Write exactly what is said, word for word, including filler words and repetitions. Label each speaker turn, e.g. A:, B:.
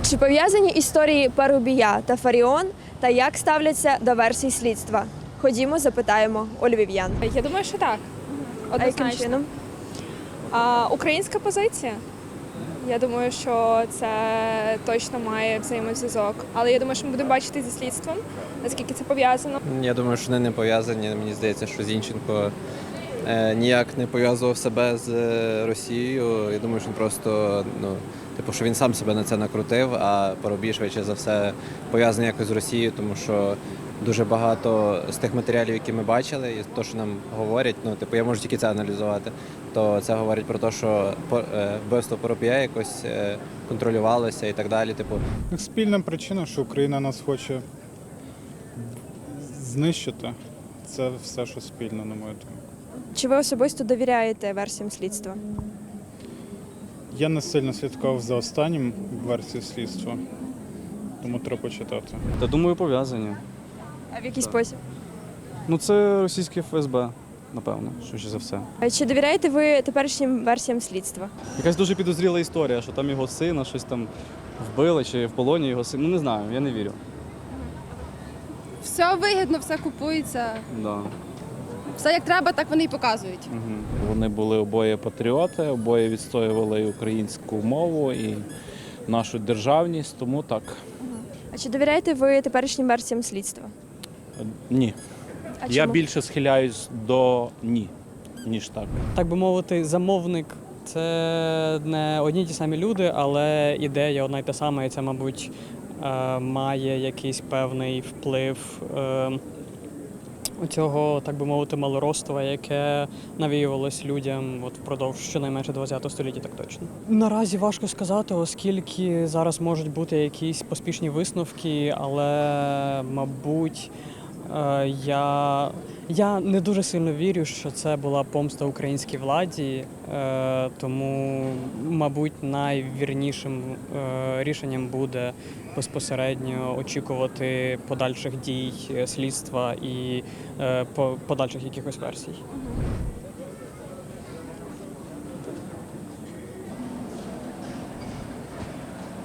A: Чи пов'язані історії Парубія та Фаріон та як ставляться до версій слідства? Ходімо, запитаємо у львів'ян.
B: Я думаю, що так.
A: А яким
B: Однозначно.
A: чином?
B: А, українська позиція. Я думаю, що це точно має взаємозв'язок. Але я думаю, що ми будемо бачити зі слідством, наскільки це пов'язано.
C: Я думаю, що вони не пов'язані. Мені здається, що Зінченко е, ніяк не пов'язував себе з е, Росією. Я думаю, що він просто, ну, типу, що він сам себе на це накрутив, а Парубій, швидше за все, пов'язаний якось з Росією, тому що дуже багато з тих матеріалів, які ми бачили, і те, що нам говорять, ну, типу, я можу тільки це аналізувати, то це говорить про те, що по- е, вбивство Парубія якось е, контролювалося і так далі. Типу,
D: Спільна причина, що Україна нас хоче знищити. Це все, що спільно, на мою думку.
A: Чи ви особисто довіряєте версіям слідства?
D: Я не сильно слідкував за останнім версією слідства, тому треба почитати.
E: Та думаю, пов'язані.
A: А в який спосіб?
E: Ну це російське еф ес бе, напевно, швидше за все.
A: Чи довіряєте ви теперішнім версіям слідства?
E: Якась дуже підозріла історія, що там його сина щось там вбили, чи в полоні його син. Ну не знаю, я не вірю.
F: Все вигідно, все купується.
E: Да.
F: Все як треба, так вони і показують.
E: Угу.
G: Вони були обоє патріоти, обоє відстоювали і українську мову, і нашу державність, тому так.
A: А чи довіряєте ви теперішнім версіям слідства?
G: Ні.
A: А
G: Я
A: чому?
G: більше схиляюсь до ні, ніж так.
H: Так би мовити, замовник це не одні й ті самі люди, але ідея одна й та сама, і це, мабуть, е, має якийсь певний вплив е, цього, так би мовити, малороства, яке навіювалось людям от впродовж щонайменше ХХ століття, так точно. Наразі важко сказати, оскільки зараз можуть бути якісь поспішні висновки, але, мабуть, Е, Я, я не дуже сильно вірю, що це була помста українській владі, е, тому, мабуть, найвірнішим е, рішенням буде безпосередньо очікувати подальших дій е, слідства і е, по- подальших якихось версій.